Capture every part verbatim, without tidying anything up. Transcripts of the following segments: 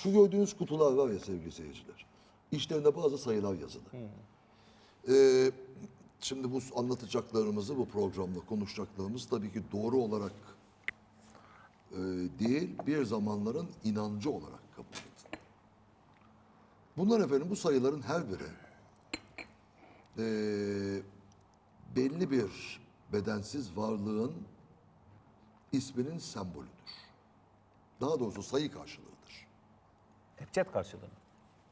Şu gördüğünüz kutular var ya sevgili seyirciler. İçlerinde bazı sayılar yazılı. Ee, şimdi bu anlatacaklarımızı, bu programda konuşacaklarımız tabii ki doğru olarak e, değil, bir zamanların inancı olarak kabul edin. Bunlar efendim, bu sayıların her biri e, belli bir bedensiz varlığın isminin sembolüdür. Daha doğrusu sayı karşılığıdır. Ebced karşılığı mı?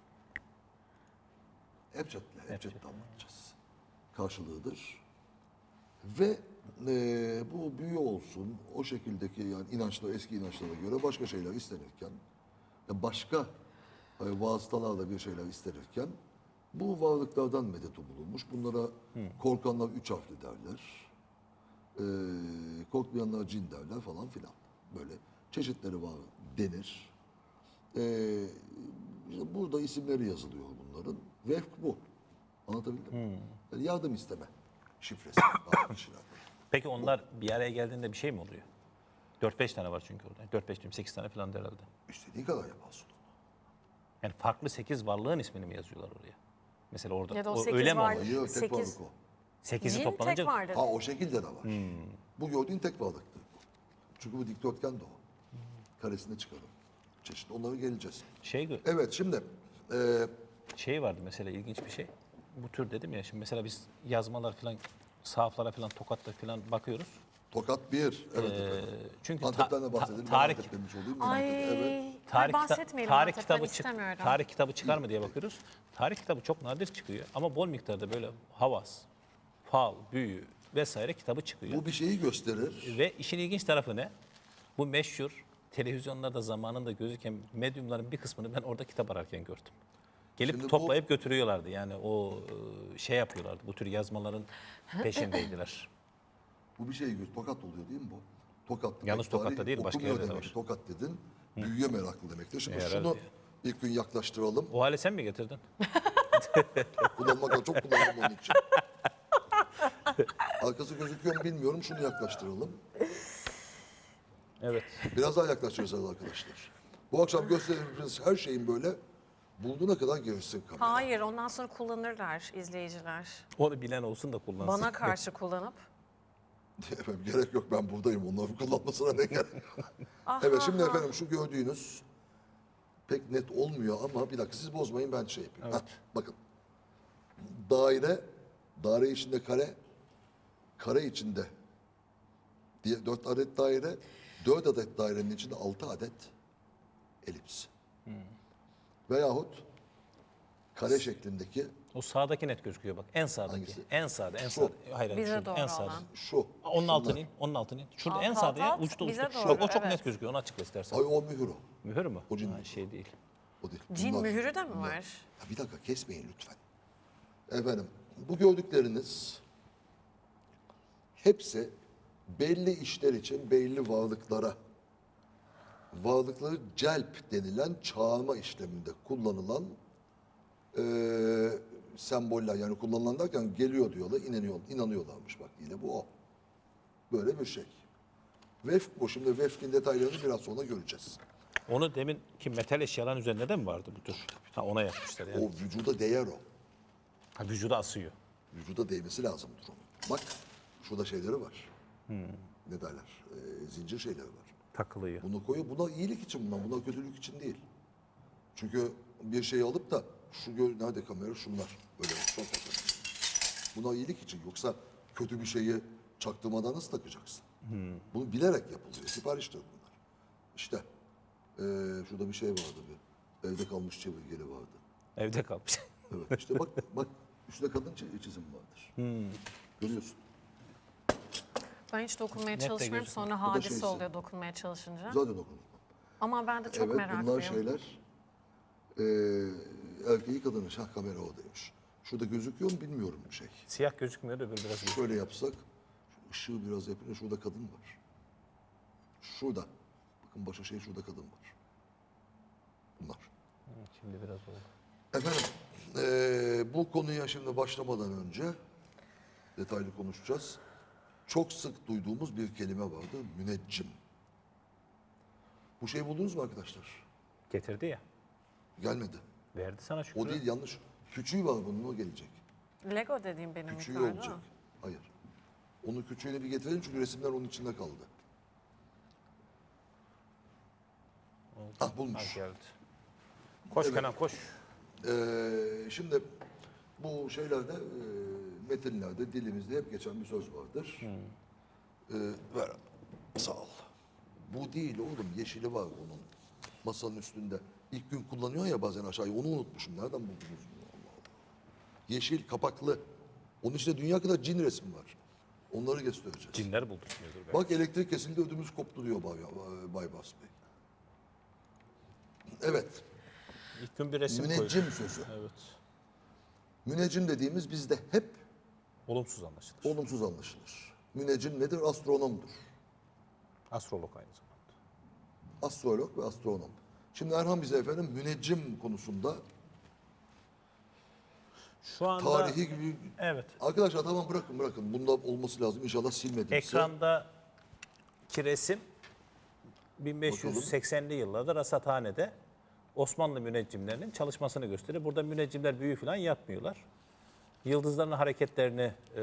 Ebced'le, Ebced'le anlatacağız. Karşılığıdır. Ve e, bu büyü olsun, o şekildeki yani inançlar, eski inançlara göre başka şeyler istenirken, başka e, vasıtalarla bir şeyler istenirken, bu varlıklardan medet umulmuş. Bunlara korkanlar üç harfli derler. E, korkmayanlar cin derler falan filan. Böyle çeşitleri var denir. E, işte burada isimleri yazılıyor bunların. Vefk bu. Anlatabildim mi? Yani yardım isteme şifresi. bazı kişilerde. Peki onlar bir araya geldiğinde bir şey mi oluyor? dört beş tane var çünkü orada. dört beş diyorum sekiz tane falan herhalde. İstediğin kadar yaparsın onu. Yani farklı sekiz varlığın ismini mi yazıyorlar oraya? Mesela orada Ya da o o, sekiz öyle mi var- oluyor? Hayır, tek Sekiz. varlık o. sekizi Cin toplanınca tek vardır. Ha o şekilde de var. Bu gördüğün tek varlıktır. Çünkü bu dikdörtgen de o. Karesine çıkarım. Çeşit. Onlara geleceğiz. şey gö- Evet şimdi e, şey vardı mesela ilginç bir şey. Bu tür dedim ya şimdi mesela biz yazmalar falan sahaflara falan tokatla falan bakıyoruz. Tokat bir. Evet efendim. Çünkü ta- Antep'ten de ta- bahsedelim. Ben tarih Antep demiş olayım. Ay, Evet. tarih, Ay, kita- bahsetmeyelim tarih Antep'ten, kitabı çık istemiyorum. tarih kitabı çıkar mı diye bakıyoruz. Tarih kitabı çok nadir çıkıyor ama bol miktarda böyle havas, fal, büyü vesaire kitabı çıkıyor. Bu bir şeyi gösterir. Ve işin ilginç tarafı ne? Bu meşhur televizyonlarda zamanında gözüken medyumların bir kısmını ben orada kitap ararken gördüm. Gelip Şimdi bu- toplayıp götürüyorlardı. Yani o e, şey yapıyorlardı. Bu tür yazmaların peşindeydiler. Bu bir şey göz. Tokat oluyor değil mi bu? Tokat. Yalnız Tek Tokat'ta tarih değil, başka okumuyor yerde de demek. var. Tokat dedin. Büyüye meraklı demektir. Şimdi E, şunu herhalde. ilk gün yaklaştıralım. O hale sen mi getirdin? Kullanmak çok kullandım onun için. Arkası gözüküyor mu bilmiyorum. Şunu yaklaştıralım. Evet. Biraz daha yaklaştıracağız arkadaşlar. Bu akşam gösterdiğimiz her şeyin böyle bulduğuna kadar girsin kamera. Hayır, ondan sonra kullanırlar izleyiciler. Onu bilen olsun da kullansın. Bana karşı kullanıp. Efendim gerek yok, ben buradayım. Onların kullanmasına ne gerek yok. Evet şimdi efendim şu gördüğünüz pek net olmuyor ama bir dakika siz bozmayın, ben şey yapayım. Heh, bakın. Daire, daire içinde kare, kare içinde diye dört adet daire, dört adet dairenin içinde altı adet elips. Veyahut kare şeklindeki O sağdaki net gözüküyor bak. En sağdaki. Hangisi? En sağda, en Şu. sağda. Hayır, hayır, Bize şurada, doğru en sağda. olan. şu. Onun şunlar. altını in, onun altını in. Şurada Alt, en alt, sağda ya, alt, uçta bize uçta. doğru, Bak o çok evet. net gözüküyor, onu açıkla istersen. Ay o mühür o. Mühür mü? O cin Ha, mühürü. şey değil. O değil. Cin Bunlar- mühürü de mi bunlar. var? Ya bir dakika kesmeyin lütfen. Efendim bu gördükleriniz hepsi belli işler için belli varlıklara, varlıkları celp denilen çağırma işleminde kullanılan eee semboller, yani kullanılan derken geliyor diyorlar, inanıyor, inanıyorlarmış bak, yine bu o. Böyle bir şey. Vefk bu. Şimdi vefkin detaylarını biraz sonra göreceğiz. Onu demin ki metal eşyaların üzerinde de mi vardı bu tür? Ha ona yapmışlar yani. O vücuda değer o. Ha, vücuda asıyor. Vücuda değmesi lazımdır onun. Bak şurada şeyleri var. Ne derler? Ee, zincir şeyleri var. Takılıyor. Bunu koyuyor. Buna iyilik için bunlar. Buna kötülük için değil. Çünkü bir şey alıp da şu gör, nerede kamera? Şunlar. Böyle çok fazla. Buna iyilik için. Yoksa kötü bir şeyi çaktırmadan nasıl takacaksın? Bunu bilerek yapılıyor. Sipariştir bunlar. İşte ee, şurada bir şey vardı. Bir. Evde kalmış çevirgeli vardı. Evde kalmış. Evet işte bak bak üstte kadın çi- çizim vardır. Görüyorsun. Ben hiç dokunmaya Net de çalışmıyorum. gözüküyor. Sonra Bu da hadise şeysi. oluyor dokunmaya çalışınca. Zaten dokunur. Ama ben de çok Evet meraklıyım. bunlar şeyler eee erkeği kadını şah kamera oradaymış. Şurada gözüküyor mu bilmiyorum şey. Siyah gözükmüyor da öbür biraz gözüküyor. Şöyle yapsak şu ışığı biraz yapınca şurada kadın var. Şurada. Bakın başka şey, şurada kadın var. Bunlar. Şimdi biraz oldu. Efendim eee, bu konuya şimdi başlamadan önce detaylı konuşacağız. Çok sık duyduğumuz bir kelime vardı. Müneccim. Bu şeyi buldunuz mu arkadaşlar? Getirdi ya. Gelmedi. Verdi sana Şükrü. O değil, yanlış. Küçüğü var bunun, o gelecek. Lego dediğim benim Küçüğü miktarda. olacak. Hayır. Onu küçüğünü bir getirelim çünkü resimler onun içinde kaldı. Ah Ha, bulmuş. geldi. Koş Evet. Kenan koş. Ee, şimdi bu şeylerde, e, metinlerde, dilimizde hep geçen bir söz vardır. Ee, ver. Sağ ol. Bu değil oğlum, yeşili var onun. Masanın üstünde. İlk gün kullanıyor ya bazen aşağıya, onu unutmuşum. Nereden buldunuz bunu? Allah Allah. Yeşil, kapaklı. Onun içinde dünya kadar cin resmi var. Onları göstereceğiz. Cinler buldurtmuyordur belki. Bak elektrik kesildi, ödümüz koptu diyor Bay, Bay Bas Bey. Evet. İlk gün bir resim Müneccim koydu. sözü. Evet. Müneccim dediğimiz bizde hep Olumsuz anlaşılır. olumsuz anlaşılır. Müneccim nedir? Astronomdur. Astrolog aynı zamanda. Astrolog ve astronom. Şimdi Erhan bize efendim müneccim konusunda Şu anda tarihi gibi... evet. Arkadaşlar tamam, bırakın bırakın. Bunda olması lazım. İnşallah silmedimse. Ekrandaki resim bin beş yüz seksenli yıllarda rasathanede Osmanlı müneccimlerinin çalışmasını gösterir. Burada müneccimler büyü falan yapmıyorlar. Yıldızların hareketlerini e,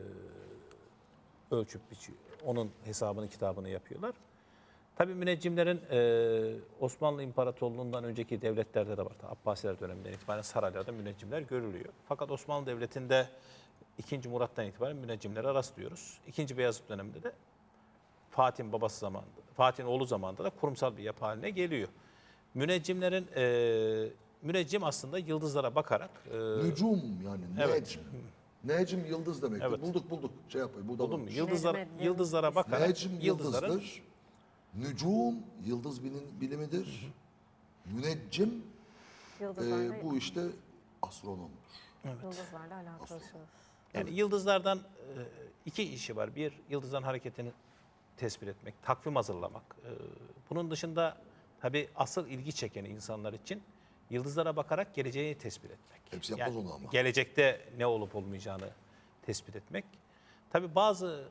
ölçüp biçiyor. Onun hesabını, kitabını yapıyorlar. Tabii müneccimlerin e, Osmanlı İmparatorluğu'ndan önceki devletlerde de var. Abbasiler döneminden itibaren saraylarda müneccimler görülüyor. Fakat Osmanlı Devleti'nde ikinci Murat'tan itibaren müneccimlere rastlıyoruz. ikinci Beyazıt döneminde de Fatih'in babası zamanında, Fatih'in oğlu zamanında da kurumsal bir yapı haline geliyor. Müneccimlerin, e, müneccim aslında yıldızlara bakarak... E, Nücum yani. Evet. Necm. Necm yıldız demektir. Evet. Bulduk bulduk. Şey yapmayın. Burada buldun mu? varmış. Yıldızlar, Necmettin. yıldızlara bakarak Necm yıldızların... yıldızdır. Nücum yıldız bilim, bilimidir. Müneccim Yıldızlarla, e, bu işte astronomdur. yıldızlarla alakalı söz. Yani yıldızlardan e, iki işi var. Bir, yıldızların hareketini tespit etmek, takvim hazırlamak. E, Bunun dışında tabii asıl ilgi çekeni insanlar için yıldızlara bakarak geleceği tespit etmek. Hepsi yapmaz onu ama. Gelecekte ne olup olmayacağını tespit etmek. Tabii bazı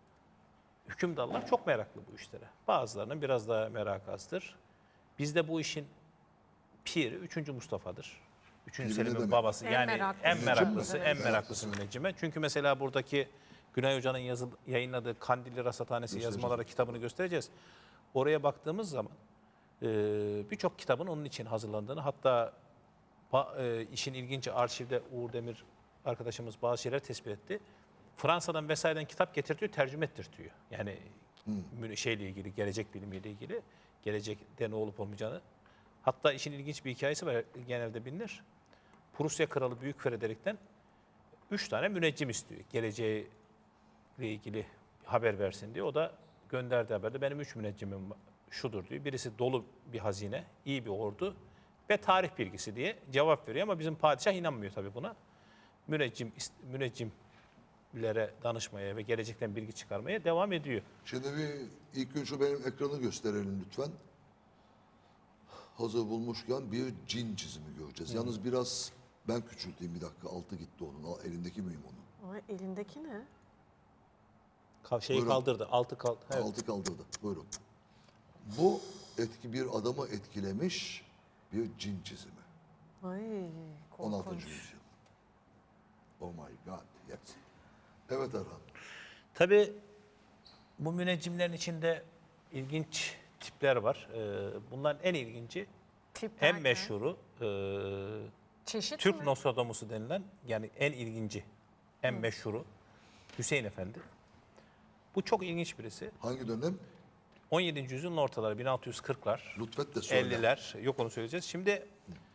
hükümdarlar çok meraklı bu işlere. Bazılarının biraz daha merakı azdır. Bizde bu işin piri üçüncü Mustafa'dır. üçüncü Piri ne Selim'in demek? babası. En yani meraklısı. en meraklısı, Evet. en meraklısı müneccime. Çünkü mesela buradaki Günay Hoca'nın yazı, yayınladığı Kandilli Rasathanesi yazmaları kitabını göstereceğiz. Oraya baktığımız zaman e, birçok kitabın onun için hazırlandığını, hatta ba- e, işin ilginci arşivde Uğur Demir arkadaşımız bazı şeyler tespit etti. Fransa'dan vesaireden kitap getirtiyor, tercüme ettirtiyor. Yani hmm. şeyle ilgili, gelecek bilimiyle ilgili, gelecekte ne olup olmayacağını. Hatta işin ilginç bir hikayesi var, genelde bilinir. Prusya Kralı Büyük Frederick'ten üç tane müneccim istiyor. Geleceğiyle ilgili haber versin diye. O da gönderdiği haberde benim üç müneccimim şudur diyor. Birisi dolu bir hazine, iyi bir ordu ve tarih bilgisi diye cevap veriyor. Ama bizim padişah inanmıyor tabii buna. Müneccim, müneccimlere danışmaya ve gelecekten bilgi çıkarmaya devam ediyor. Şimdi bir ilk gün şu benim ekranı gösterelim lütfen. Hazır bulmuşken bir cin çizimi göreceğiz. Yalnız biraz ben küçülteyim bir dakika. Altı gitti onun. Al, elindeki miyim onun? Ay, elindeki ne? Ka- Şeyi Buyurun. kaldırdı, altı kaldı. Evet. Altı kaldırdı. Buyurun. Bu etki bir adamı etkilemiş bir cin çizimi. Ay, on altıncı korkunç. yüzyıl. Oh my God. Yes. Evet Erhan. Tabii bu müneccimlerin içinde ilginç tipler var. Ee, bunların en ilginci, Tip en derken? meşhuru e, Çeşit Türk mi? Nostradamus'u denilen, yani en ilginci, en meşhuru Hüseyin Efendi. Bu çok ilginç birisi. Hangi dönem? on yedinci yüzyılın ortaları, bin altı yüz kırklar, Lütfet de söyle. elliler, yok onu söyleyeceğiz. Şimdi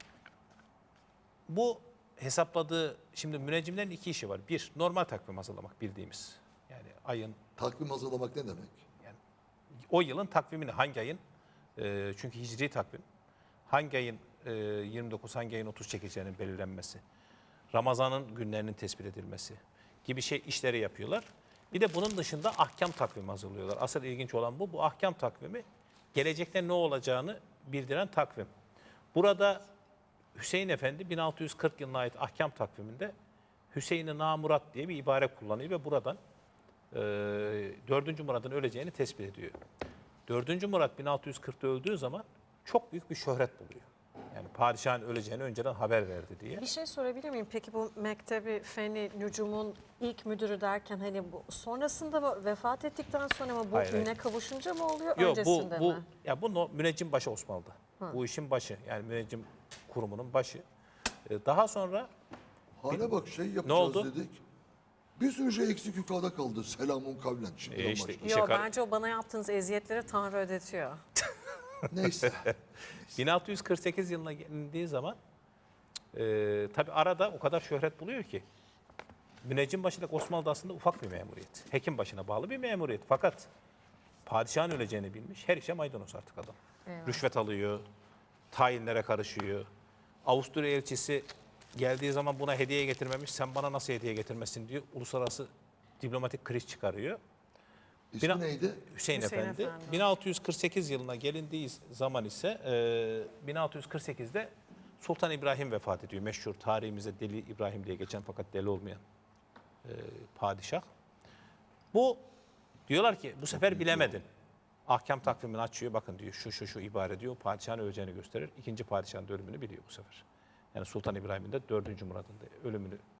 bu hesapladığı, şimdi müneccimlerin iki işi var. Bir, normal takvim hazırlamak bildiğimiz. Yani ayın, Takvim hazırlamak ne demek? yani o yılın takvimini, hangi ayın, e, çünkü hicri takvim, hangi ayın e, yirmi dokuz, hangi ayın otuz çekeceğinin belirlenmesi, Ramazan'ın günlerinin tespit edilmesi gibi şey işleri yapıyorlar. Bir de bunun dışında ahkam takvimi hazırlıyorlar. Asıl ilginç olan bu. Bu ahkam takvimi gelecekte ne olacağını bildiren takvim. Burada Hüseyin Efendi bin altı yüz kırk yılına ait ahkam takviminde Hüseyin-i Namurat diye bir ibare kullanıyor ve buradan e, dördüncü Murad'ın öleceğini tespit ediyor. dördüncü Murad bin altı yüz kırkta öldüğü zaman çok büyük bir şöhret buluyor. Yani padişahın öleceğini önceden haber verdi diye. Bir şey sorabilir miyim? Peki bu Mektebi Feni Nücum'un ilk müdürü derken hani bu sonrasında mı, vefat ettikten sonra mı, bu Hayır, hayır. üne kavuşunca mı oluyor, Yok bu öncesinde bu mi? ya bu no- müneccim başı Osmanlı'da. Bu işin başı. Yani müneccim kurumunun başı. Ee, Daha sonra Hale bak şey yapacağız oldu? dedik. Bir sürü şey eksik yukarıda kaldı. Selamun kavlen. Şimdiden E işte- başladı. İşe Yok, kar- bence o bana yaptığınız eziyetleri Tanrı ödetiyor. Neyse. bin altı yüz kırk sekiz yılına gelindiği zaman e, tabi arada o kadar şöhret buluyor ki müneccimbaşılık Osmanlı'da aslında ufak bir memuriyet. Hekim başına bağlı bir memuriyet. Fakat padişahın öleceğini bilmiş. Her işe maydanoz artık adam. Eyvah. Rüşvet alıyor, tayinlere karışıyor. Avusturya elçisi geldiği zaman buna hediye getirmemiş. Sen bana nasıl hediye getirmesin diyor. Uluslararası diplomatik kriz çıkarıyor. İsmi Bina- neydi? Hüseyin, Hüseyin Efendi. Efendi. bin altı yüz kırk sekiz yılına gelindiği zaman ise e, bin altı yüz kırk sekizde Sultan İbrahim vefat ediyor. Meşhur tarihimizde Deli İbrahim diye geçen fakat deli olmayan e, padişah. Bu diyorlar ki bu sefer bilemedin. Ahkam takvimini açıyor. Bakın diyor şu şu şu ibare diyor. Padişahın öleceğini gösterir. İkinci padişahın da ölümünü biliyor bu sefer. Yani Sultan İbrahim'in de dördüncü Murad'ın da ölümünü